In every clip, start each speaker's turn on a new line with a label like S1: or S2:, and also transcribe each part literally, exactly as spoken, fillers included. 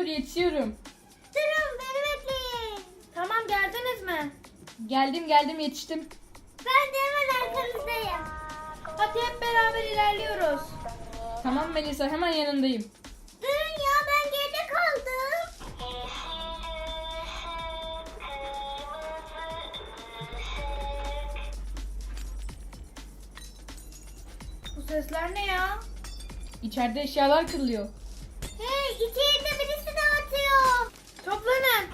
S1: yetişiyorum.
S2: Durun beni bekleyin. Tamam geldiniz mi?
S1: Geldim geldim yetiştim.
S2: Ben de hemen arkanızdayım. Hadi hep beraber ilerliyoruz.
S1: Tamam Melisa, hemen yanındayım.
S2: Durun ya ben geride kaldım. Bu sesler ne ya?
S1: İçeride eşyalar kırılıyor.
S2: Hey içeride birisi dağıtıyor. Toplanın.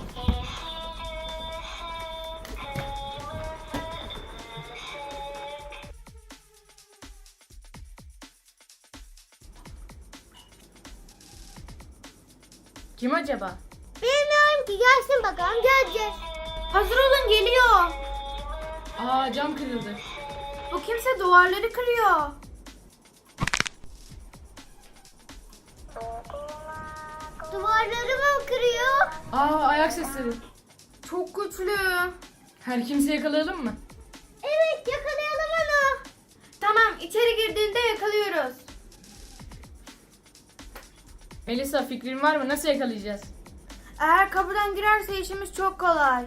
S1: Kim acaba?
S2: Bilmiyorum ki gelsin bakalım geleceğiz. Hazır olun geliyor.
S1: Aa, cam kırıldı.
S2: Bu kimse duvarları kırıyor. Duvarları mı kırıyor?
S1: Aa, ayak sesleri.
S2: Çok güçlü.
S1: Her kimse yakalayalım mı?
S2: Evet yakalayalım onu. Tamam içeri girdiğinde yakalıyoruz.
S1: Melisa, fikrin var mı? Nasıl yakalayacağız?
S2: Eğer kapıdan girerse işimiz çok kolay.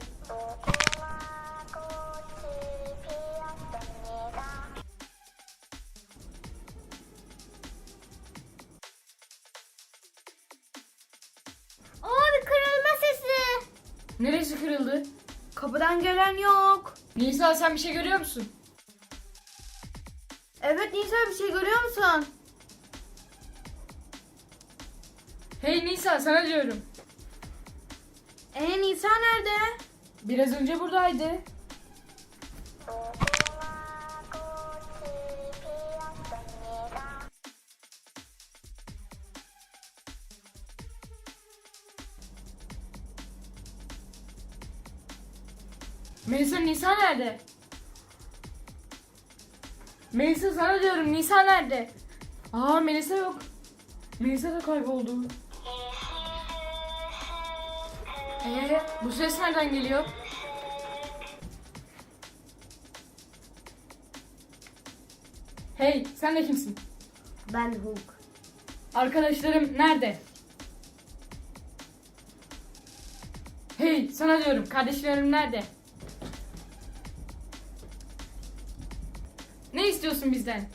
S2: Abi kırılma sesi.
S1: Neresi kırıldı?
S2: Kapıdan gelen yok.
S1: Nisa, sen bir şey görüyor musun?
S2: Evet Nisa bir şey görüyor musun?
S1: Hey Nisa, sana diyorum.
S2: Ee Nisa nerede?
S1: Biraz önce buradaydı. Melisa, Nisa nerede? Melisa, sana diyorum, Nisa nerede? Aa, Melisa yok. Melisa da kayboldu. Ee, bu ses nereden geliyor? Hey, sen de kimsin?
S2: Ben Hulk.
S1: Arkadaşlarım nerede? Hey, sana diyorum, kardeşlerim nerede? Ne istiyorsun bizden?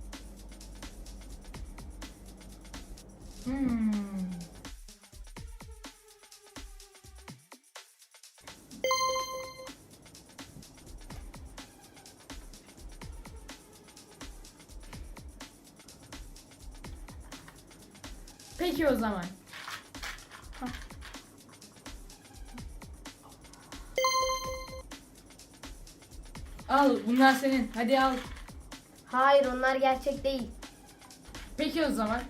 S1: Hmm. Peki o zaman. Hah. Al, bunlar senin. Hadi al.
S2: Hayır onlar gerçek değil.
S1: Peki o zaman.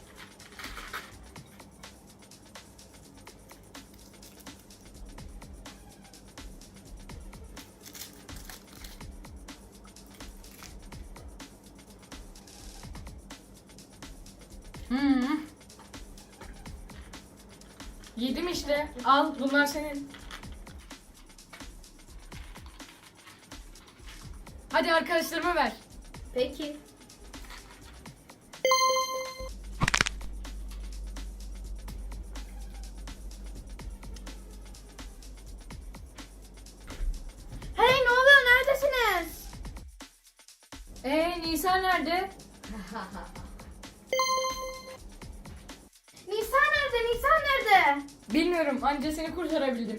S1: Hmm. Yedim işte. Al, bunlar senin. Hadi arkadaşlarıma ver.
S2: Peki. Hey ne oluyor neredesiniz?
S1: Ee, Nisa nerede?
S2: Nisa nerede? Nisa nerede?
S1: Bilmiyorum, anca seni kurtarabildim.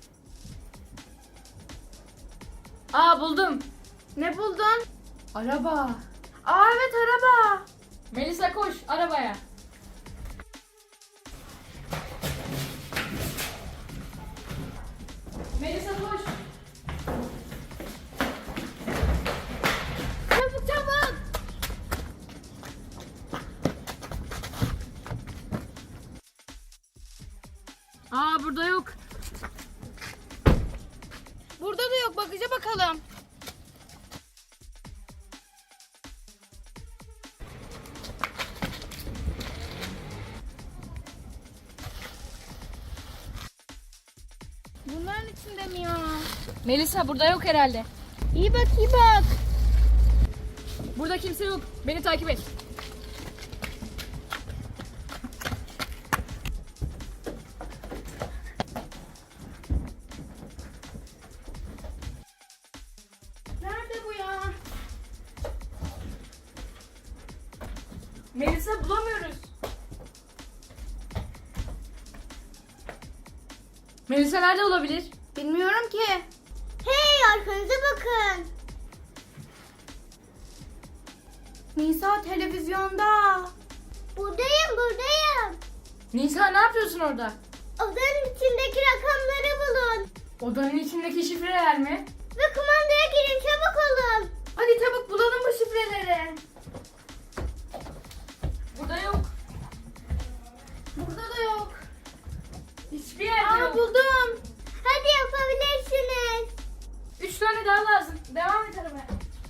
S1: Aa, buldum.
S2: Ne buldun?
S1: Araba.
S2: Aa evet araba.
S1: Melisa, koş arabaya. Melisa, koş.
S2: Çabuk çabuk.
S1: Aa, burada yok.
S2: Burada da yok bagaja bakalım. Bunların içinde mi ya?
S1: Melisa, burada yok herhalde.
S2: İyi bak iyi bak.
S1: Burada kimse yok. Beni takip et. Melisa bulamıyoruz. Melisa nerede olabilir?
S2: Bilmiyorum ki. Hey, arkanıza bakın. Nisa televizyonda. Buradayım, buradayım.
S1: Nisa ne yapıyorsun orada?
S2: Odanın içindeki rakamları bulun.
S1: Odanın içindeki şifreler mi?
S2: Ve kumandaya girin, çabuk olun.
S1: Hadi çabuk bulalım bu şifreleri. Burada yok.
S2: Burada da yok.
S1: Hiçbir yerde
S2: Aa,
S1: yok.
S2: buldum. Hadi yapabilirsiniz.
S1: Üç tane daha lazım. Devam et aramaya.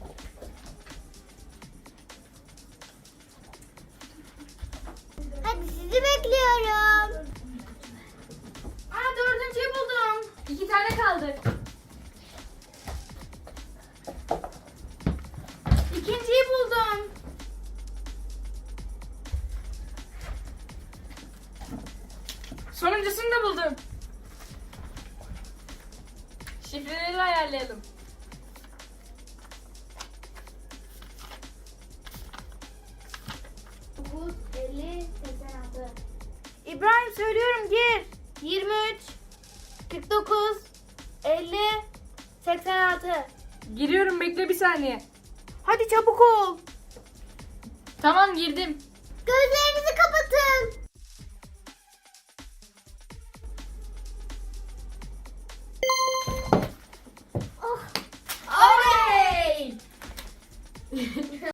S2: Hadi sizi bekliyorum.
S1: Aa, dördüncüyü buldum. İki tane kaldı.
S2: İkinciyi buldum.
S1: Sonuncusunu da buldum. Şifreleri ayarlayalım.
S2: dokuz, elli, seksen altı. İbrahim söylüyorum, gir. yirmi üç, kırk dokuz, elli, seksen altı.
S1: Giriyorum, bekle bir saniye.
S2: Hadi çabuk ol.
S1: Tamam, girdim.
S2: Gözlerinizi kapatın.